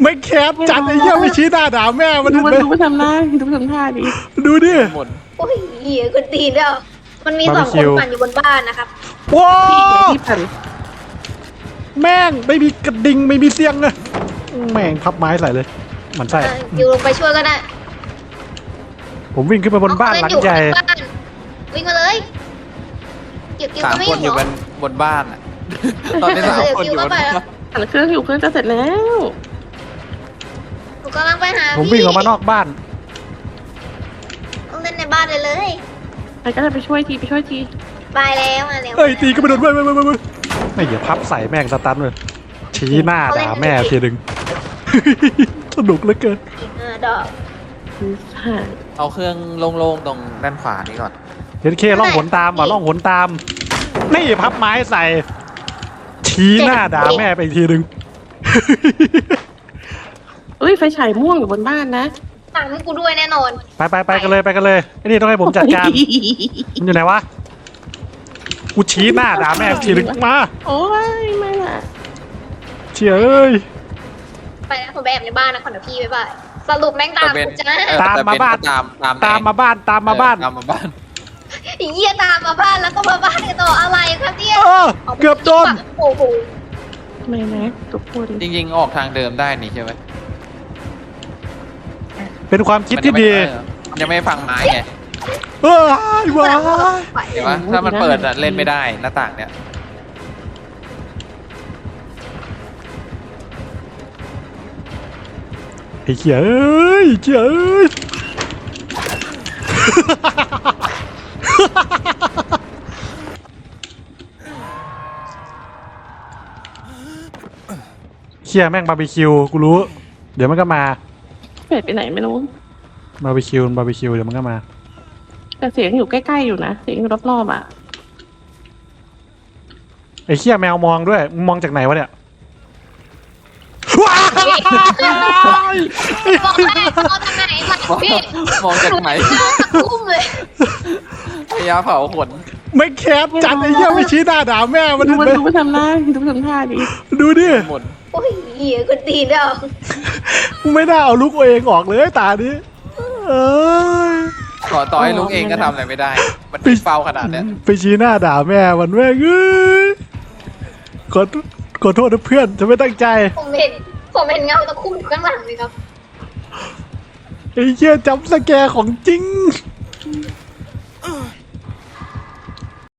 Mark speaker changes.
Speaker 1: ไม่แคบจัดไอ้เหี้ยไม่ชี้หน้าด่าแม่มัน
Speaker 2: ดู
Speaker 1: เลย
Speaker 2: ไปทำหน้าดูไปทำท่าดิ
Speaker 1: ดูดิ
Speaker 3: หมด
Speaker 4: โอ้ยเหี้ยคนตีนแล้วมันมี2 คนปั่นอยู่บนบ้านนะครับ
Speaker 1: ว้า
Speaker 2: ที่ปั่น
Speaker 1: แม่งไม่มีกระดิ่งไม่มีเสียงเลยแม่งพับไม้ใส่เลยมันใช่
Speaker 4: อยู่ลงไปช่วยก็ได้
Speaker 1: ผมวิ่งขึ้นไปบนบ้านหลังใหญ่
Speaker 4: บ้านวิ่งมาเลยเก็บกิ้ว
Speaker 3: สาม
Speaker 4: ก็ไม่
Speaker 3: คนอยู่
Speaker 4: เหร
Speaker 3: บนบ้านอ่ะตอนนี้3 คนอยู่บนบ้าน
Speaker 2: ปั่นเครื่องอยู่เครื่องจะเสร็จแล้ว
Speaker 4: หนูกำลังไปหา
Speaker 1: ผมวิ่งออกมานอกบ้าน
Speaker 4: ต้องเล่นในบ้านเลย
Speaker 2: ใครก็จะไปช่วยทีไปช่วยที
Speaker 4: ไปแล้วมาแล้ว
Speaker 1: เอ้ยตีก็ไม่โดนไม่อย่าพับใส่แม่งสตันเลยชี้หน้าด่าแม่ทีหนึ่ง สนุกเหลือเกิน
Speaker 4: อีก5 ดอก
Speaker 2: ใช่
Speaker 3: เอาเครื่องโล่งๆตรงด้านขวานี้ก่อน
Speaker 1: เห็นเคล่องหนตามว่ะล่องหนตามนี่พับไม้ใส่ ชี้หน้าด่าแม่ไปอีกทีหนึ่ง
Speaker 2: เอ้ยไฟฉายม่วงอยู่บนบ้านนะ
Speaker 4: สั่งให้กูด้วยแน่นอน
Speaker 1: ไปกันเลยไอ้นี่ต้องให้ผมจัดการมันอยู่ไหนวะกูชี้หน้าด่าแม่อีกทีหนึ่งมา
Speaker 2: โอ้ยไม่ละ
Speaker 1: เชี่ยเอ้ย
Speaker 4: ไปแล้วผมไปแอบในบ้านนะขอเดี๋ยวพี่บ๊ายบายสรุปแม่งตามกูจ้า
Speaker 1: ตามมาบ้าน
Speaker 3: ตามมาบ้าน
Speaker 1: ตามมาบ้าน
Speaker 4: ไอ้เหี้ยตามมาบ้านแล้วก็มาบ้านกันต่ออะไรครับเนี่ย
Speaker 1: เกือบโดน
Speaker 4: โอ้โห
Speaker 2: ไม่นะทุกคน
Speaker 3: จริงๆออกทางเดิมได้นี่ใช่ไหม
Speaker 1: เป็นความคิดที่ดี
Speaker 3: มันยังไม่ฟังไม้ไง
Speaker 1: ว้าย
Speaker 3: เห็นปะถ้ามันเปิดอะเล่นไม่ได้หน้าต่างเนี่ย
Speaker 1: ไอ้เขี้ยเอ้ยเขี้ยเอ้ยเขี้ยแม่งบาร์บีคิวกูรู้เดี๋ยวมันก็มา
Speaker 2: เป็ดไปไหนไม่รู้
Speaker 1: บาร์บีคิวเดี๋ยวมันก็มา
Speaker 2: แต่เสียงอยู่ใกล้ๆอยู่นะเสียงอยู่รอบๆอ่ะ
Speaker 1: ไอ้เขี้ยแมวมองด้วยมึงมองจากไหนวะเนี่ยว้าย
Speaker 4: บอกแม่เอาทางไหนมาพี่
Speaker 3: มองจากไหน
Speaker 4: ทุ่มเลย
Speaker 3: พยาเผาขน
Speaker 1: ไม่แคบจัดไอ้เหี้ยไม่ชี้หน้าด่าแม่มัน
Speaker 2: ดูไปทำหน้าดูไปทำท่าดิ
Speaker 1: ดูดิ
Speaker 3: หมด
Speaker 4: โอ้ยเหี้ยคนตีนแล้ว
Speaker 1: ไม่น่าเอาลูกตัวเองออกเลยตานี้เอ้ย
Speaker 3: ต่อให้ลุงเองก็ทำอะไรไม่ได้ มันปิดเฝ้าขนาดเนี้ย
Speaker 1: ไปชี้หน้าด่าแม่มันแม่งเอ้ยขอโทษนะเพื่อนจะไม่ตั้งใจ
Speaker 4: ผมเห็นเงาตะคุ่มอยู่ข้างหลังเลยครับ
Speaker 1: ไอ้เหี้ยจำสแกร์ของจริง